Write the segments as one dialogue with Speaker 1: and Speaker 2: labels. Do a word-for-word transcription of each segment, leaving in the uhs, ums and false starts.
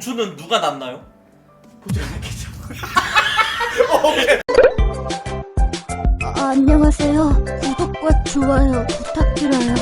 Speaker 1: 보추는 누가 낳나요?
Speaker 2: 보추가 낳겠죠.
Speaker 3: 아, 안녕하세요. 구독과 좋아요 부탁드려요.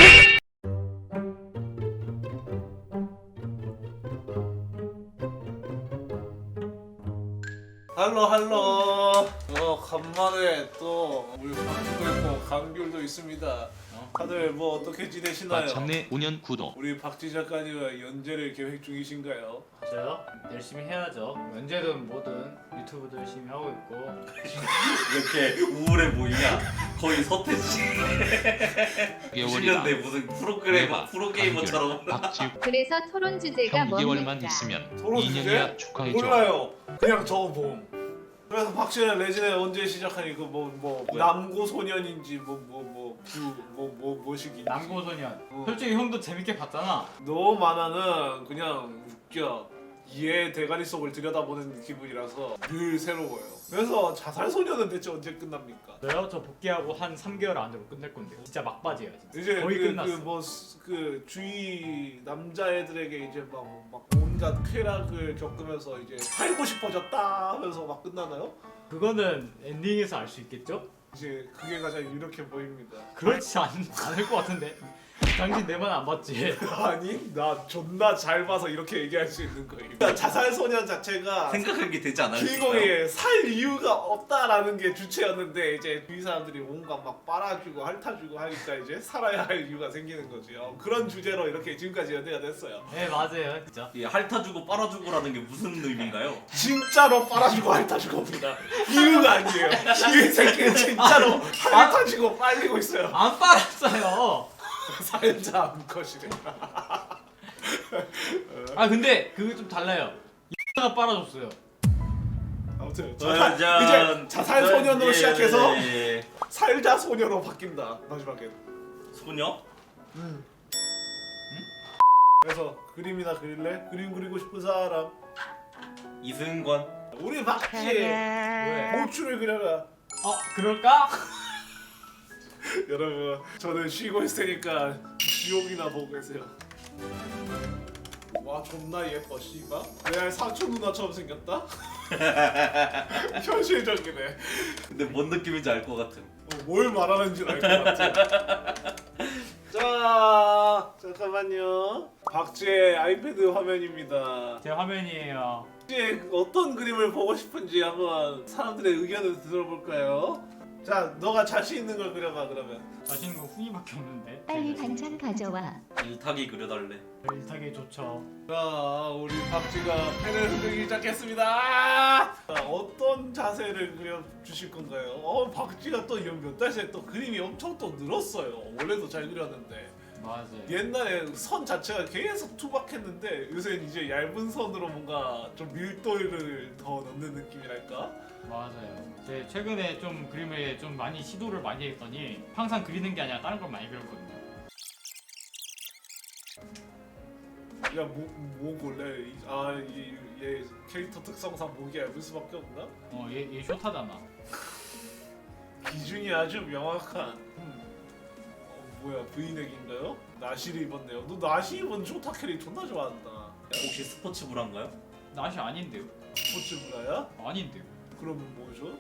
Speaker 4: 할로 할로. 어 간만에 또 우리 박주도 있고 강귤도 있습니다. 다들 뭐 어떻게 지내시나요?
Speaker 5: 마참내 오 년 구독.
Speaker 4: 우리 박지 작가님은 연재를 계획 중이신가요?
Speaker 2: 저요? 열심히 해야죠. 언제든 뭐든 유튜브도 열심히 하고 있고.
Speaker 1: 이렇게 우울해 보이냐? 거의 서태지. 이십 년대
Speaker 5: 개월이다.
Speaker 1: 무슨 프로그래머
Speaker 5: 대박.
Speaker 1: 프로게이머처럼.
Speaker 5: 박지우
Speaker 6: 그래서 토론 주제가
Speaker 5: 형 이 개월만
Speaker 6: 뭡니까?
Speaker 5: 있으면
Speaker 4: 토론
Speaker 5: 이 년이야
Speaker 4: 주제?
Speaker 5: 축하해줘.
Speaker 4: 몰라요. 그냥 적어봄. 그래서 박씨는 레진에 언제 시작하니 그뭐 뭐 남고 소년인지 뭐 뭐 뭐 뭐 뭐 뭐시기
Speaker 2: 남고소년.
Speaker 4: 어.
Speaker 2: 솔직히 형도 재밌게 봤잖아.
Speaker 4: 너 만화는 그냥 웃겨. 얘 대가리 속을 들여다보는 기분이라서 늘 새로워요. 그래서 자살소녀는 대체 언제 끝납니까?
Speaker 2: 저요? 저 복귀하고 한 삼 개월 안으로 끝낼 건데요. 진짜 막바지예요. 진짜.
Speaker 4: 이제
Speaker 2: 거의
Speaker 4: 그,
Speaker 2: 끝났어.
Speaker 4: 그 뭐 그 주위 남자애들에게 이제 막, 막 온갖 쾌락을 겪으면서 이제 살고 싶어졌다 하면서 막 끝나나요?
Speaker 2: 그거는 엔딩에서 알 수 있겠죠?
Speaker 4: 이제 그게 가장 이렇게 보입니다.
Speaker 2: 그렇지 않, 않을 것 같은데. 당신 내 말 안 봤지?
Speaker 4: 아니 나 존나 잘 봐서 이렇게 얘기할 수 있는 거예요. 자살소년 자체가
Speaker 1: 생각하게 되지 않아요?
Speaker 4: 주인공이 살 이유가 없다라는 게 주체였는데 이제 주위 사람들이 온갖 막 빨아주고 핥아주고 하니까 이제 살아야 할 이유가 생기는 거죠. 그런 주제로 이렇게 지금까지 연대가 됐어요.
Speaker 2: 네 맞아요 진짜.
Speaker 1: 이 핥아주고 빨아주고라는 게 무슨 의미인가요?
Speaker 4: 진짜로 빨아주고 핥아주고입니다. 이유가 아니에요. 이 새끼는 진짜로 핥아주고 빨리고 있어요.
Speaker 2: 안 빨았어요.
Speaker 4: 살자 암컷이래.
Speaker 2: 아 근데 그게 좀 달라요. 이가 빨아줬어요.
Speaker 4: 아무튼
Speaker 1: 짜잔.
Speaker 4: 자살, 이제 자살 소년으로
Speaker 1: 예,
Speaker 4: 시작해서
Speaker 1: 예, 예.
Speaker 4: 살자 소녀로 바뀐다. 마지막에.
Speaker 1: 소녀?
Speaker 4: 그래서 그림이나 그릴래? 그림 그리고 싶은 사람.
Speaker 1: 이승권.
Speaker 4: 우리 박지
Speaker 2: 왜?
Speaker 4: 보추를 그려라.
Speaker 2: 어 그럴까?
Speaker 4: 여러분 저는 쉬고 있을 테니까 지옥이나 보고 계세요. 와 존나 예뻐 씨발. 레알 사촌 누나처럼 생겼다? 현실적이네.
Speaker 1: 근데 뭔 느낌인지 알 것 같은.
Speaker 4: 어, 뭘 말하는지 알 것 같아. 자 잠깐만요. 박지의 아이패드 화면입니다.
Speaker 2: 제 화면이에요.
Speaker 4: 혹시 어떤 그림을 보고 싶은지 한번 사람들의 의견을 들어볼까요? 자, 너가 자신 있는 걸 그려봐 그러면.
Speaker 2: 자신 있는 거 훈이밖에 없는데.
Speaker 3: 빨리 반찬 가져와.
Speaker 1: 일타기 그려달래.
Speaker 2: 일타기 좋죠.
Speaker 4: 자, 우리 박쥐가 펜을 흔들기 시작했습니다. 자, 어떤 자세를 그려주실 건가요? 어, 박쥐가 또 몇 달 새에 또 그림이 엄청 또 늘었어요. 원래도 잘 그렸는데.
Speaker 2: 맞아요.
Speaker 4: 옛날에 선 자체가 계속 투박했는데 요새는 이제 얇은 선으로 뭔가 좀 밀도를 더 넣는 느낌이랄까?
Speaker 2: 맞아요. 제 최근에 좀 그림에 좀 많이 시도를 많이 했더니 항상 그리는 게 아니라 다른 걸 많이 그렸거든요.
Speaker 4: 야, 뭐, 뭐 골래? 이- 아, 이, 얘 캐릭터 특성상 목이 얇을 수밖에 없나?
Speaker 2: 어, 얘, 얘 쇼타잖아.
Speaker 4: 기준이 아주 명확한. 음. 어, 뭐야, 브이넥인가요? 나시를 입었네요. 너 나시 입은 쇼타 캐릭 존나 좋아한다.
Speaker 1: 혹시 스포츠 브라인가요?
Speaker 2: 낫이 아닌데요?
Speaker 4: 스포츠 브라야?
Speaker 2: 아닌데요?
Speaker 4: 그럼 뭐죠?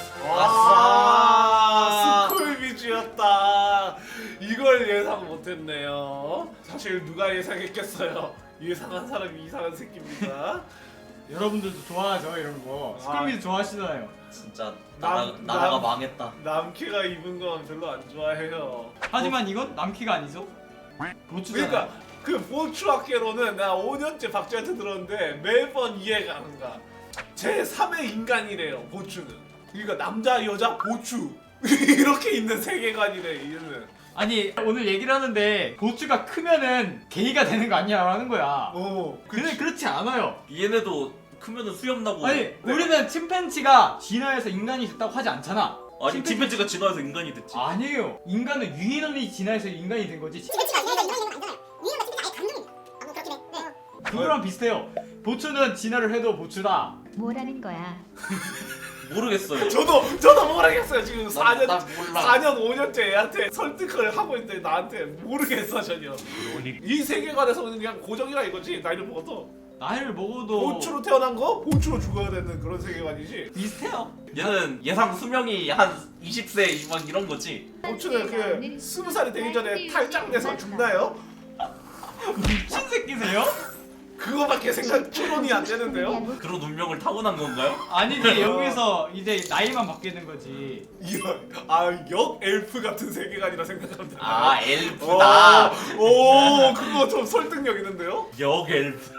Speaker 1: 아싸!
Speaker 4: 스쿨비즈였다. 이걸 예상 못했네요. 사실 누가 예상했겠어요? 예상한 사람이 이상한 새끼입니다.
Speaker 2: 여러분들도 좋아하죠 이런 거. 스쿨미도 좋아하시잖아요.
Speaker 1: 진짜
Speaker 4: 남-
Speaker 1: 나라, 나라가
Speaker 4: 남-
Speaker 1: 망했다.
Speaker 4: 남캐가 입은 건 별로 안 좋아해요.
Speaker 2: 하지만 이건 남키가 아니죠? 보추잖아.
Speaker 4: 그러니까 그 보추 학계로는 나 오 년째 박쥐한테 들었는데 매번 이해가 안 가. 제삼의 인간이래요 보추는. 그러니까 남자 여자 보추 이렇게 있는 세계관이래 얘는.
Speaker 2: 아니 오늘 얘기를 하는데 보추가 크면은 게이가 되는 거 아니야라는 거야.
Speaker 4: 어.
Speaker 2: 근데 그렇지 않아요.
Speaker 1: 얘네도 크면은 수염 나고.
Speaker 2: 아니 우리는 침팬지가 진화해서 인간이 됐다고 하지 않잖아.
Speaker 1: 아니
Speaker 2: 침팬지-
Speaker 1: 침팬지가 진화해서 인간이 됐지.
Speaker 2: 아니에요. 인간은 유인원이 진화해서 인간이 된 거지.
Speaker 7: 침팬지가 이런 이런 이런 거 아니잖아요. 유인원 같은 게 아예 감정입니다. 아, 뭐 그렇긴 해. 네.
Speaker 2: 그거랑 비슷해요. 보추는 진화를 해도 보추다.
Speaker 3: 뭐라는 거야?
Speaker 1: 모르겠어요.
Speaker 4: 저도 저도 모르겠어요 지금 사 년
Speaker 1: 나 몰라.
Speaker 4: 사 년 오 년째 애한테 설득을 하고 있는데 나한테 모르겠어 전혀. 이 세계관에서는 그냥 고정이라 이거지 나이를 먹어도.
Speaker 2: 나이를 먹어도
Speaker 4: 보추로 태어난 거 보추로 죽어야 되는 그런 세계관이지.
Speaker 2: 비슷해요.
Speaker 1: 얘는 예상 수명이 한 이십 세 막 이런 거지.
Speaker 4: 보추는 그 스무 살이 되기 전에 탈장돼서 죽나요?
Speaker 2: 미친 새끼세요?
Speaker 4: 그거밖에 생각 추론이 안 되는데요.
Speaker 1: 그런 운명을 타고난 건가요?
Speaker 2: 아니지 여기서 이제 나이만 바뀌는 거지.
Speaker 4: 이런 아역 엘프 같은 세계관이라 생각합니다.
Speaker 1: 아 엘프다.
Speaker 4: 오, 오 그거 좀 설득력 있는데요?
Speaker 1: 역 엘프.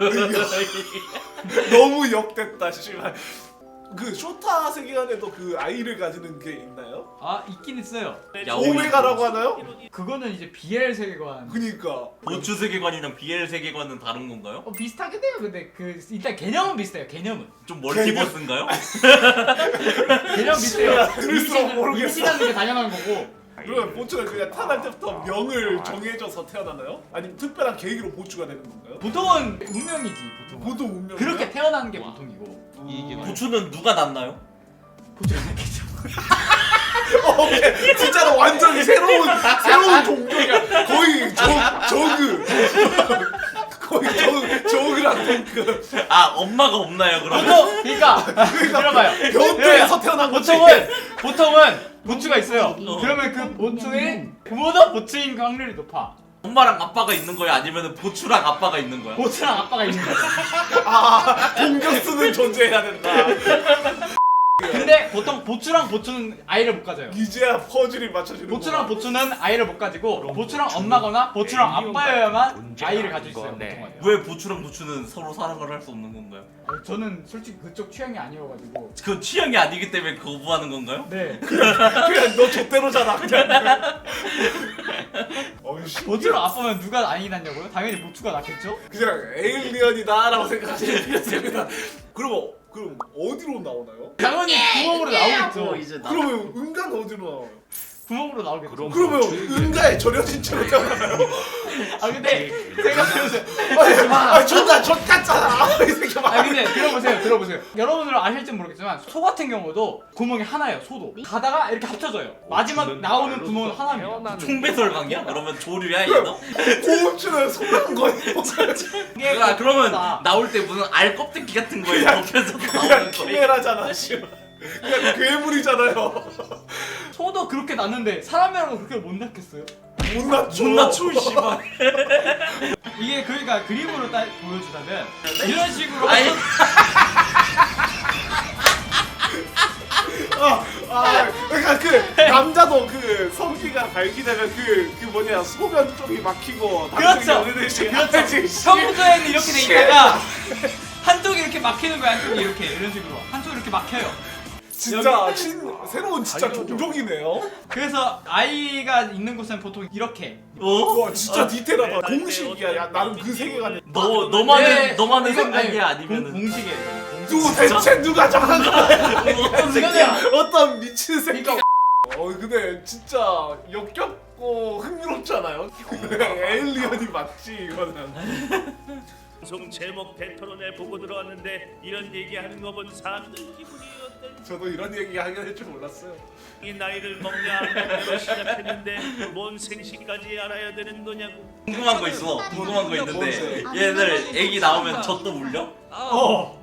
Speaker 4: 너무 역됐다 씨발. 그 쇼타 세계관에도 그 아이를 가지는 게 있나요?
Speaker 2: 아 있긴 있어요.
Speaker 1: 야옹이.
Speaker 4: 오메가라고 하나요?
Speaker 2: 그거는 이제 비엘 세계관.
Speaker 4: 그니까
Speaker 1: 보추 세계관이랑 비엘 세계관은 다른 건가요?
Speaker 2: 어 비슷하긴 해요. 근데 그 일단 개념은 비슷해요. 개념은.
Speaker 1: 좀 멀티버스인가요?
Speaker 2: 개념 비슷해요.
Speaker 4: 들을수록 모르겠어.
Speaker 2: 임신하는 게 당연한 거고.
Speaker 4: 그러면 보추는 그냥 태어날 때부터 명을 정해져서 태어나나요? 아니면 특별한 계기로 보추가 되는 건가요?
Speaker 2: 보통은 운명이지 보통.
Speaker 4: 보통 운명
Speaker 2: 그렇게 태어나는 게 보통이고.
Speaker 1: 보추는 누가 낳나요?
Speaker 2: 보통은 겠죠.
Speaker 4: 어, 오케이. 진짜로 완전히 새로운 새로운 종교가 거의 저 저그 거의 저 저그랑 덩크
Speaker 1: 아 엄마가 없나요 그러면?
Speaker 2: 보통 그러니까 들어봐요.
Speaker 4: 변태에서 태어난 거지.
Speaker 2: 보통은 보통은 보추가 있어요.
Speaker 1: 어.
Speaker 2: 그러면 그 보추의 부모도 보추인 확률이 높아.
Speaker 1: 엄마랑 아빠가 있는 거야 아니면 보추랑 아빠가 있는 거야?
Speaker 2: 보추랑 아빠가 있는 거야.
Speaker 4: 아 공격수는 존재해야 된다.
Speaker 2: 근데 보통 보추랑 보추는 아이를 못 가져요.
Speaker 4: 이제야 퍼즐이 맞춰지는.
Speaker 2: 보추랑 보추는 아이를 못 가지고 보추랑 엄마거나 보추랑 아빠여야만 아이를 가질 수 있어요. 보통은.
Speaker 1: 왜 보추랑 보추는 서로 사랑을 할 수 없는 건가요?
Speaker 2: 어, 저는 솔직히 그쪽 취향이 아니어가지고.
Speaker 1: 그 취향이 아니기 때문에 거부하는 건가요?
Speaker 2: 네.
Speaker 4: 그냥 너 좆대로잖아 그냥. 어이씨.
Speaker 2: 보추랑 아빠면 누가 아이 낳냐고요? 당연히 보추가 낳겠죠?
Speaker 4: 그냥 에일리언이다라고 생각하시면 되겠습니다. 그럼 그럼 어디로 나오나요?
Speaker 2: 당연히 구멍으로 나오겠죠.
Speaker 1: 이제 나
Speaker 4: 그러면 은간 어디로 나와요?
Speaker 2: 구멍으로 나오겠죠.
Speaker 4: 그러면 은가에 절여진 채로 태어나나요?
Speaker 2: 아 근데 생각해보세요.
Speaker 4: 아니, 아 존나 젖 같잖아. 이 새끼
Speaker 2: 아
Speaker 4: 봐.
Speaker 2: 근데 들어보세요 들어보세요. 여러분들은 아실지 모르겠지만 소 같은 경우도 구멍이 하나예요. 소도 가다가 이렇게 합쳐져요. 마지막 나오는 구멍은 하나입니다.
Speaker 1: 총배설강이야? 그러면 조류야 얘도?
Speaker 4: 고음주는 소란 거예요.
Speaker 2: 이게
Speaker 1: 아 그러면
Speaker 2: 나-
Speaker 1: 나올 때 무슨 알 껍데기 같은 거에 덮여서
Speaker 4: 그냥
Speaker 1: 나오는 거야?
Speaker 4: 키메라잖아. 씨발. 그냥 괴물이잖아요.
Speaker 2: 소도 그렇게 낳는데 사람이라고 그렇게 못 낳겠어요?
Speaker 4: 못 낮춰.
Speaker 1: 못 낮춰 씨발.
Speaker 2: 이게 그러니까 그림으로 딱 보여주자면 이런 식으로
Speaker 1: 아니
Speaker 4: 아, 아, 그러니까 그 남자도 그 성기가 발기되면 그, 그 뭐냐 소변 쪽이 막히고
Speaker 2: 그렇죠.
Speaker 4: 그렇죠.
Speaker 2: 평소에는 이렇게 돼 있다가 한쪽이 이렇게 막히는 거야. 한쪽이 이렇게 이런 식으로 한쪽이 이렇게 막혀요.
Speaker 4: 진짜 신, 새로운 진짜 종족이네요.
Speaker 2: 그래서 아이가 있는 곳은 보통 이렇게.
Speaker 1: 어?
Speaker 4: 와 진짜 디테일하다. 공식이야. 야, 나는 그 세계관에.
Speaker 1: 너 너만의
Speaker 2: 네,
Speaker 1: 너만의
Speaker 2: 이건
Speaker 1: 생각이야
Speaker 2: 아니,
Speaker 1: 아니면은
Speaker 2: 공, 공식이에요.
Speaker 4: 누구 대체 누가 정한 거야?
Speaker 1: 어떤 새끼야?
Speaker 4: 어떤 미친 새끼.
Speaker 2: 그러니까
Speaker 4: 어 근데 진짜 역겹고 흥미롭잖아요. 에일리언이 맞지 이거는.
Speaker 5: 방송 제목 대토론에 보고 들어왔는데 이런 얘기하는 거 본 사람들 기분이 어떨지.
Speaker 4: 저도 이런 얘기 하게 될 줄 몰랐어요.
Speaker 5: 이 나이를 먹냐 안 먹냐로 시작했는데 뭔 생시까지 알아야 되는 거냐고.
Speaker 1: 궁금한 거 있어. 궁금한 거 있는데 얘들 애기 나오면 젖도 물려?
Speaker 2: 어.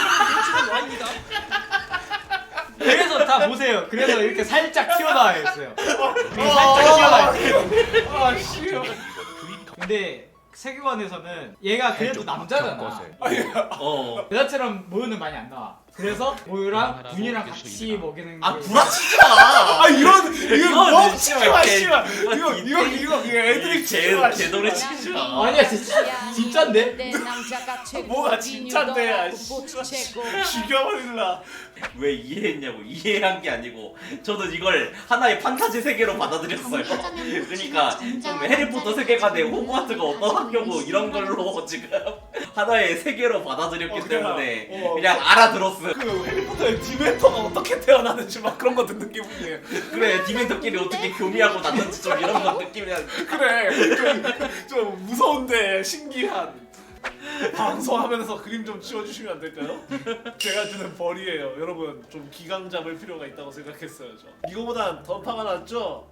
Speaker 2: 그래서 다 보세요. 그래서 이렇게 살짝 튀어나와 있어요. 이게 살짝 튀어나와 있어요.
Speaker 4: 아 씨요.
Speaker 2: 근데 세계관에서는 얘가 그래도 남자잖아.
Speaker 1: 어.
Speaker 2: 여자처럼 모유는 많이 안 나와. 그래서 모유랑 분이랑 같이 먹이는 게.
Speaker 1: 아 구라치지 마.
Speaker 4: 아 이런 이거
Speaker 1: 이거는
Speaker 4: 멍치지 마
Speaker 1: 씨발,
Speaker 4: 씨발. 이거
Speaker 1: 개-
Speaker 4: 이거 이거 이거 애들이 치지
Speaker 1: 개
Speaker 4: 마.
Speaker 1: 개돌이
Speaker 4: 씨발.
Speaker 1: 치지 마.
Speaker 2: 아니야 진짜 진짠데?
Speaker 4: 뭐가 진짠데? 아, 씨발. 죽여버릴라.
Speaker 1: 왜 이해했냐고 이해한 게 아니고 저는 이걸 하나의 판타지 세계로 받아들였어요. 그러니까 좀 해리포터 세계관의 호그와트가 어떤 학교고 이런 걸로 지금 하나의 세계로 받아들였기
Speaker 4: 어, 그냥,
Speaker 1: 때문에
Speaker 4: 어.
Speaker 1: 그냥 알아들었어요.
Speaker 4: 그 해리포터의 디멘터가 어떻게 태어나는지 막 그런 거 듣는 기분이에요.
Speaker 1: 그래 디멘터끼리 어떻게 교미하고 났는지 좀 이런 거 느끼면
Speaker 4: 그래 좀, 좀 무서운데 신기한. 방송하면서 그림 좀 치워주시면 안 될까요? 제가 주는 벌이에요. 여러분 좀 기강 잡을 필요가 있다고 생각했어요. 저. 이거보단 던파가 낫죠?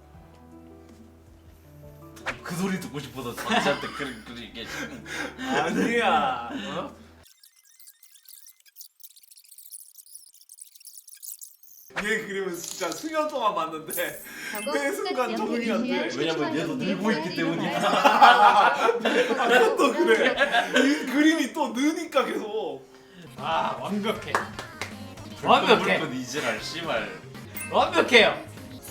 Speaker 1: 그 소리 듣고 싶어서 자기한테 그런 그런 얘기.
Speaker 4: 아니야. 어? 얘 그림은 진짜 수년 동안 봤는데 매 순간 적응이 안 돼.
Speaker 1: 왜냐면 얘도 늘고 있기 때문이야.
Speaker 4: 아, 또 그래. 이 그림이 또 느니까 계속.
Speaker 2: 아 완벽해. 완벽해.
Speaker 1: 불끈 이지랄 씨발.
Speaker 2: 완벽해요.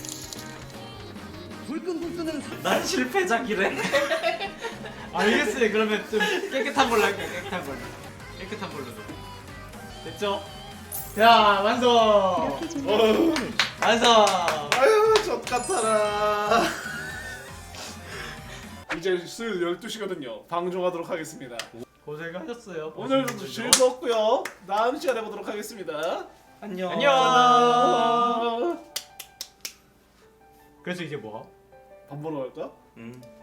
Speaker 1: 난 실패작이래.
Speaker 2: 알겠어요. 그러면 좀 깨끗한 걸로 할게요. 깨끗한 걸로. 깨끗한 걸로 좀. 됐죠? 자 완성.
Speaker 3: 이렇게 준비하면
Speaker 2: 완성.
Speaker 4: 아유 젖 같아라. 이제 수요일 열두 시거든요. 방종하도록 하겠습니다.
Speaker 2: 고생하셨어요.
Speaker 4: 오늘도 즐거웠고요. 다음 시간에 보도록 하겠습니다.
Speaker 1: 안녕.
Speaker 2: 안녕. 그래서 이제 뭐?
Speaker 4: 밥 먹으러 갈까?
Speaker 1: 음.